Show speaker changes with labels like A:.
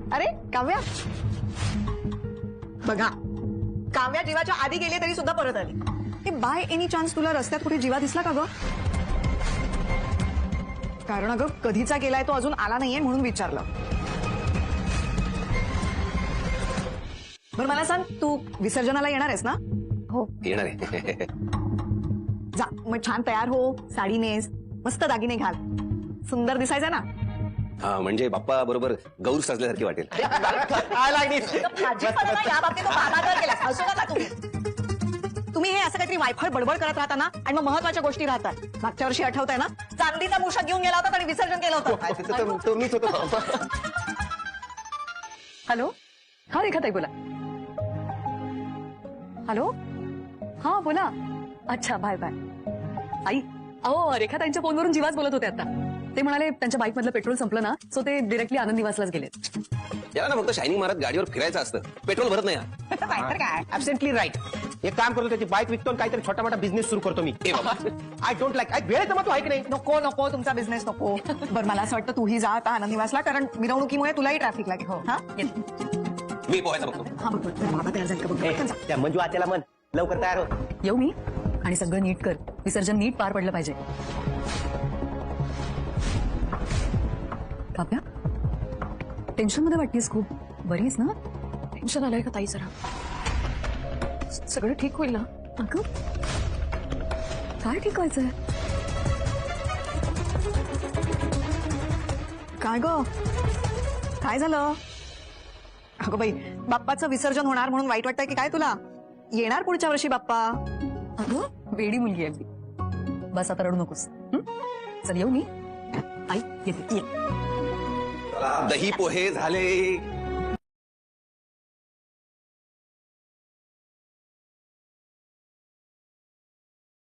A: अरे काव्या, बघा काव्या जीवाच्या आधी गेली तरी सुद्धा परत आली. बाय एनी चान्स तुला रस्त्यात कुठे जीवा दिसला का ग? कारण अगं कधीचा गेलाय तो अजून आला नाहीये म्हणून विचारलं. बरं मला सांग, तू विसर्जनाला येणार आहेस ना?
B: हो येणार आहे.
A: जा मग छान तयार हो, साडी नेस, मस्त दागिने घाल, सुंदर दिसायचं ना.
B: हा म्हणजे बाप्पा बरोबर गौर सजल्यासारखी वाटेल.
A: तुम्ही हे असं काहीतरी वायफळ बडबड करत राहता ना आणि मग महत्वाच्या गोष्टी राहतात. मागच्या वर्षी आठवतंय ना, चांदीचा मूषक घेऊन गेला होता आणि विसर्जन केलं होतं.
B: मीच होतो.
A: हॅलो, हा रेखाताई बोला. हॅलो, हा बोला. अच्छा बाय बाय. आई, अहो रेखाताईंच्या फोनवरून जीवाच बोलत होते आता. ते म्हणाले त्यांच्या बाईक मधलं पेट्रोल संपलं ना, सो ते डिरेक्टली आनंद निवासलाच गेलेत.
B: याला ना फक्त शायनिंग मारत गाडीवर फिरायचं असतं, पेट्रोल भरत नाही.
A: काय
C: ऍब्सेंटली राईट. एक काम करतो, त्याची बाईक विकतो आणि काहीतरी छोटा मोठा बिझनेस सुरू करतो मी. I don't like. वेळ जमा तू ऐक नाही.
A: नको नको, तुमचा बिझनेस नको. बरं मला असं वाटतं तूही जा आता आनंद निवासला, कारण मिरवणुकीमुळे तुलाही ट्रॅफिक लागेल. हो हा
B: मी पोहायचा बघतो.
A: हा बघ बाबा तयार झाले का बघ.
C: त्या मंजू आत्याला म्हण लवकर तयार हो.
D: येऊ मी आणि सगळं नीट कर. विसर्जन नीट पार पडलं पाहिजे. काव्या, टेन्शन मध्ये वाटतेस खूप. बरीच ना?
E: टेन्शन आलंय का ताई जरा? सगळं ठीक होईल ना?
D: अगं काय ठीक व्हायचंय?
A: काय ग, काय झालं? अगं बाई, बाप्पाचं विसर्जन होणार म्हणून वाईट वाटतंय की काय तुला? येणार पुढच्या वर्षी बाप्पा.
D: अगं वेडी मुलगी आहे ती. बस आता रडू नकोस. चल येऊ मी. आई येते.
B: दही पोहे झाले.